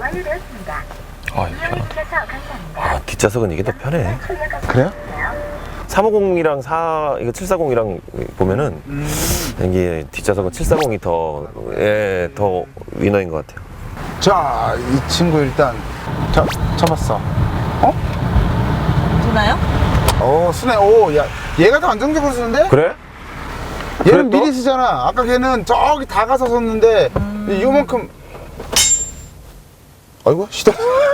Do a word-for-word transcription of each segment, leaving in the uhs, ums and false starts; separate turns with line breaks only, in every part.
완료되었습니다.
아, 이거
이용해
편하다.
주셔서 감사합니다.
아, 뒷좌석은 이게 더 편해.
그래요?
삼오공이랑 사, 이거 칠사공이랑 보면은,
음.
이게 뒷좌석은 칠사공이 더, 예, 더 위너인 것 같아요.
자, 이 친구 일단 자, 잡았어. 어?
되나요?
어, 순해. 오, 야, 얘가 더 안정적으로 쓰는데?
그래?
얘는
그래, 또?
미리 쓰잖아. 아까 걔는 저기 다 가서 섰는데
음.
요만큼. 아이고, 시동.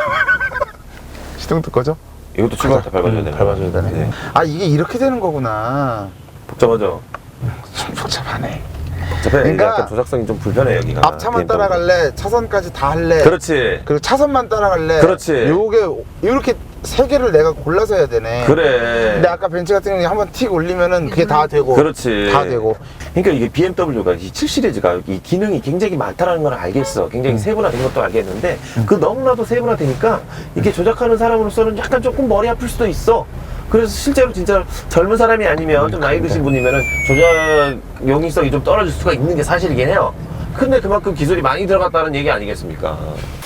시동도 꺼져?
이것도 출발할 때 밟아줘야 되네.
밟아줘야 되네.
네.
아, 이게 이렇게 되는 거구나.
복잡하죠?
좀 복잡하네.
복잡해.
그러니까
약간 조작성이 좀 불편해, 여기가.
앞차만
비엠더블유.
따라갈래? 차선까지 다 할래?
그렇지.
그리고 차선만 따라갈래?
그렇지.
요게 이렇게 세 개를 내가 골라서 해야 되네.
그래.
근데 아까 벤츠 같은 경우는 한번 틱 올리면은 그게 다 되고.
그렇지.
다 되고.
그러니까 이게 비엠더블유가 이 칠 시리즈가 이 기능이 굉장히 많다는 걸 알겠어. 굉장히 세분화된 것도 알겠는데 그 너무나도 세분화되니까 이게 조작하는 사람으로서는 약간 조금 머리 아플 수도 있어. 그래서 실제로 진짜 젊은 사람이 아니면 좀 나이 드신 분이면은 조작 용이성이 좀 떨어질 수가 있는 게 사실이긴 해요. 근데 그만큼 기술이 많이 들어갔다는 얘기 아니겠습니까?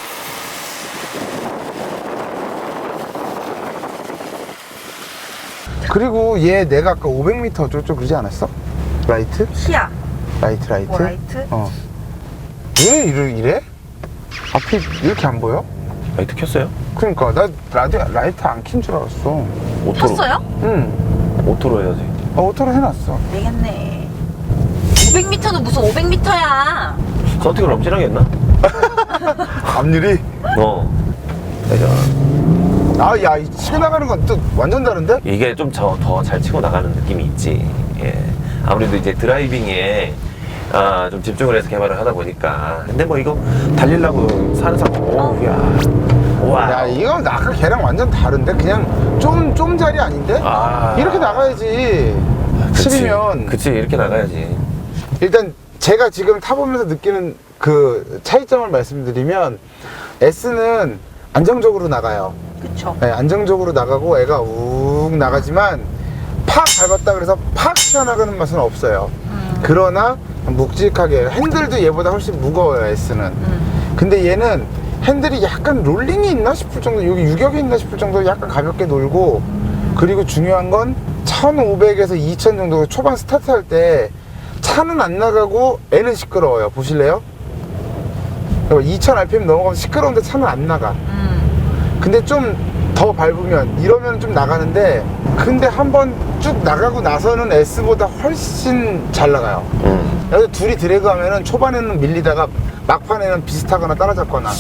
그리고 얘 내가 아까 오백 미터 어쩌고 그러지 않았어? 라이트?
키아.
라이트 라이트?
뭐 라이트?
어. 왜 이래, 이래? 앞이 이렇게 안 보여?
라이트 켰어요?
그러니까 나 라디오 라이트 안 킨 줄 알았어.
오토로.
켰어요?
응.
오토로 해야지.
어, 오토로 해놨어.
되겠네. 오백 미터는 무슨 오백 미터야.
서팅을 엄청나게 했나?
앞유리?
어. 내가
아, 야, 이 치고 나가는 건 또 완전 다른데?
이게 좀 더 잘 치고 나가는 느낌이 있지. 예. 아무래도 이제 드라이빙에 아, 좀 집중을 해서 개발을 하다 보니까. 근데 뭐 이거 달리려고 사는 사람, 오, 야. 와.
야, 이건 아까 걔랑 완전 다른데? 그냥 좀, 좀 자리 아닌데?
아.
이렇게 나가야지.
그치.
칠이면.
그치, 이렇게 나가야지.
일단 제가 지금 타보면서 느끼는 그 차이점을 말씀드리면 S는 안정적으로 나가요.
그쵸.
네, 안정적으로 나가고 애가 욱 나가지만 팍 밟았다 그래서 팍 튀어나가는 맛은 없어요.
음.
그러나 묵직하게 핸들도 얘보다 훨씬 무거워요. S는.
음.
근데 얘는 핸들이 약간 롤링이 있나 싶을 정도, 여기 유격이 있나 싶을 정도로 약간 가볍게 놀고, 그리고 중요한 건 천오백에서 이천 정도 초반 스타트 할 때 차는 안 나가고 애는 시끄러워요. 보실래요? 이천 알피엠 넘어가면 시끄러운데 차는 안 나가.
음.
근데 좀 더 밟으면 이러면 좀 나가는데, 근데 한번 쭉 나가고 나서는 S보다 훨씬 잘 나가요.
음.
여기 둘이 드래그 하면은 초반에는 밀리다가 막판에는 비슷하거나 따라잡거나.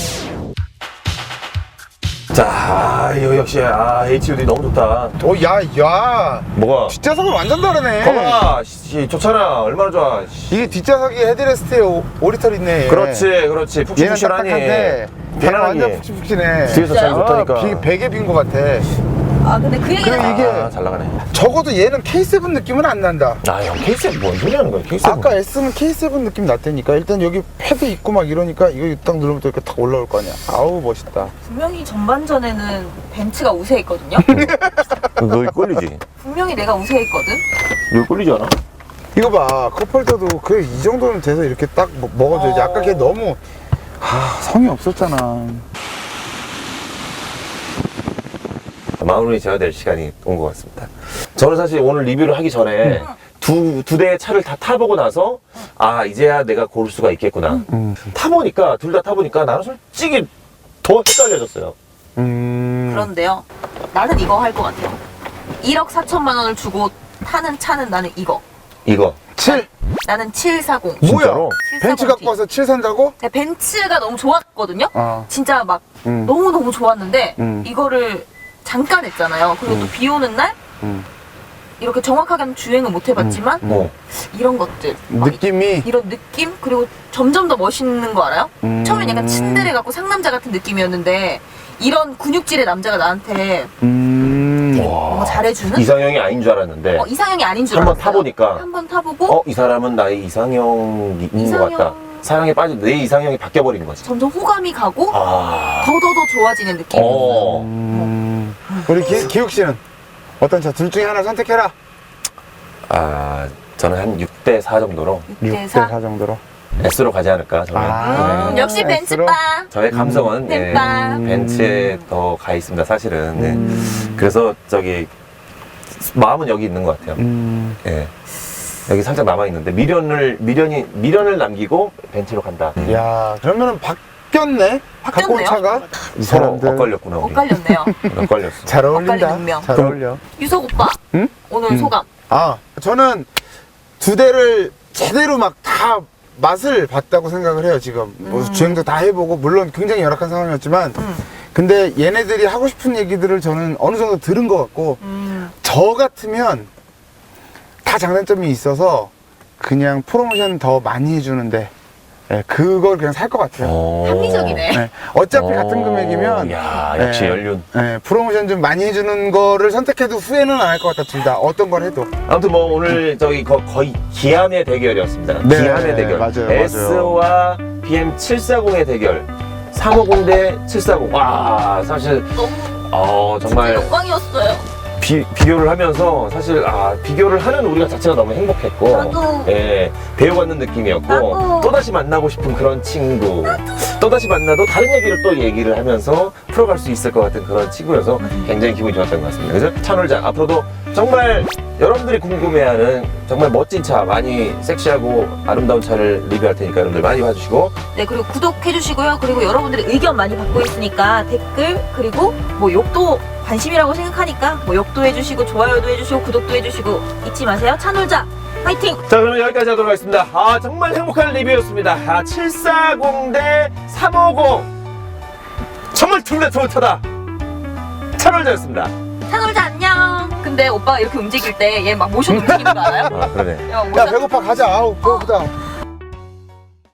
자, 이거 역시, 아, 에이치유디 너무 좋다.
오, 야, 야.
뭐가?
뒷좌석은 완전 다르네.
거봐, 씨, 좋잖아. 얼마나 좋아. 씨.
이게 뒷좌석이 헤드레스트에 오, 오리털 있네. 얘.
그렇지, 그렇지.
얘는
푹신푹신하니.
딱딱한데 걔는 완전 푹신푹신해.
뒤에서 잘 좋다니까.
아, 비, 베개 빈 것 같아.
아 근데 그 얘기는
그래, 이게-
아, 잘 나가네.
적어도 얘는 케이 세븐 느낌은 안 난다.
아, 형, 케이 세븐 뭔 소리 하는 거야, 케이 세븐.
아까 S는 케이 세븐 느낌 났다니까. 일단 여기 패드 있고 막 이러니까 이거 딱 누르면 또 이렇게 탁 올라올 거 아니야. 아우, 멋있다.
분명히 전반전에는 벤츠가 우세했거든요.
너희 꼴리지?
분명히 내가 우세했거든.
너희 꼴리지 않아?
이거 봐, 컵홀더도 그 이 정도는 돼서 이렇게 딱 먹- 먹어줘야지.
어.
아까 걔 너무 하, 성의 없었잖아.
마무리 지어야 될 시간이 온 것 같습니다. 저는 사실 오늘 리뷰를 하기 전에 두, 두 대의 차를 다 타보고 나서 아, 이제야 내가 고를 수가 있겠구나.
음.
타보니까, 둘 다 타보니까 나는 솔직히 더 헷갈려졌어요.
음.
그런데요. 나는 이거 할 것 같아요. 일억 사천만 원을 주고 타는 차는 나는 이거.
이거.
칠.
나는 칠사공.
뭐야?
진짜로?
벤츠 갖고 와서 칠 산다고?
근데 벤츠가 너무 좋았거든요.
어.
진짜 막
음.
너무너무 좋았는데
음.
이거를 잠깐 했잖아요. 그리고 또 비 오는 날
음.
이렇게 정확하게는 주행을 못 해봤지만
뭐.
이런 것들 막
느낌이.
이런 느낌 그리고 점점 더 멋있는 거 알아요?
음.
처음엔 약간 친데레 같고 상남자 같은 느낌이었는데 이런 근육질의 남자가 나한테
음.
되게 뭔가 잘해주는
이상형이 아닌 줄 알았는데.
어, 이상형이 아닌 줄
한번
알았어요.
타보니까.
한번 타보고
어, 이 사람은 나의 이상형인
이상형.
것 같다. 사랑에 빠진 내 이상형이 바뀌어버린 거지.
점점 호감이 가고
아.
더더더 좋아지는 느낌.
어.
음. 우리 기, 기욱 씨는 어떤 차 둘 중에 하나 선택해라.
아, 저는 한 육 대 사 정도로.
육 대 사.
정도로.
S로 가지 않을까 저는.
아.
음,
네.
역시
S로?
벤츠바.
저의 감성은 네,
벤바.
벤츠에 더 가 있습니다 사실은. 네.
음.
그래서 저기 마음은 여기 있는 것 같아요.
음.
예. 여기 살짝 남아 있는데 미련을 미련이 미련을 남기고 벤츠로 간다.
야, 그러면은 바뀌었네? 갖고 온
바뀌었네요.
차가? 이
서로
사람들
엇갈렸구나 우리.
엇갈렸네요.
엇갈렸어.
잘
엇갈린
어울린다.
운명.
잘 어울려.
유석 오빠.
응?
오늘
음.
소감.
아, 저는 두 대를 제대로 막 다 맛을 봤다고 생각을 해요, 지금. 뭐
음.
주행도 다 해보고, 물론 굉장히 열악한 상황이었지만,
음.
근데 얘네들이 하고 싶은 얘기들을 저는 어느 정도 들은 것 같고,
음.
저 같으면 다 장단점이 있어서 그냥 프로모션 더 많이 해주는데, 예, 그걸 그냥 살 것 같아요.
어.
합리적이네.
예, 어차피
어.
같은 금액이면,
야 역시
예,
연륜.
예, 프로모션 좀 많이 해주는 거를 선택해도 후회는 안 할 것 같다, 둘 다. 어떤 걸 해도.
아무튼 뭐 오늘 저기 거, 거의 기함의 대결이었습니다.
네,
기함의 대결.
맞아요,
S와 비엠 칠백사십의 대결. 삼백오십 대 칠백사십. 와 사실
너무
어
진짜
정말
영광이었어요.
비, 비교를 하면서 사실 아 비교를 하는 우리가 자체가 너무 행복했고
나도.
예 배워받는 느낌이었고
나도.
또다시 만나고 싶은 그런 친구 또다시 만나도 다른 얘기를 또 얘기를 하면서 풀어갈 수 있을 것 같은 그런 친구여서 굉장히 기분이 좋았던 것 같습니다. 그래서 찬홀장 앞으로도 정말 여러분들이 궁금해하는 정말 멋진 차 많이 섹시하고 아름다운 차를 리뷰할 테니까 여러분들 많이 봐주시고
네, 그리고 구독해주시고요. 그리고 여러분들의 의견 많이 받고 있으니까 댓글, 그리고 뭐 욕도 관심이라고 생각하니까 뭐 욕도 해주시고, 좋아요도 해주시고, 구독도 해주시고, 잊지 마세요. 차놀자 화이팅!
자 그러면 여기까지 하도록 하겠습니다. 아 정말 행복한 리뷰였습니다. 아 칠백사십 대 삼백오십 정말 둘 다 좋은 차다. 찬홀장이었습니다.
차놀자 안녕! 근데 오빠가 이렇게 움직일 때 얘 막 모션 움직이는 거 알아요?
아 그러네.
야,
야,
모션
배고파, 가자. 아우, 배고프다.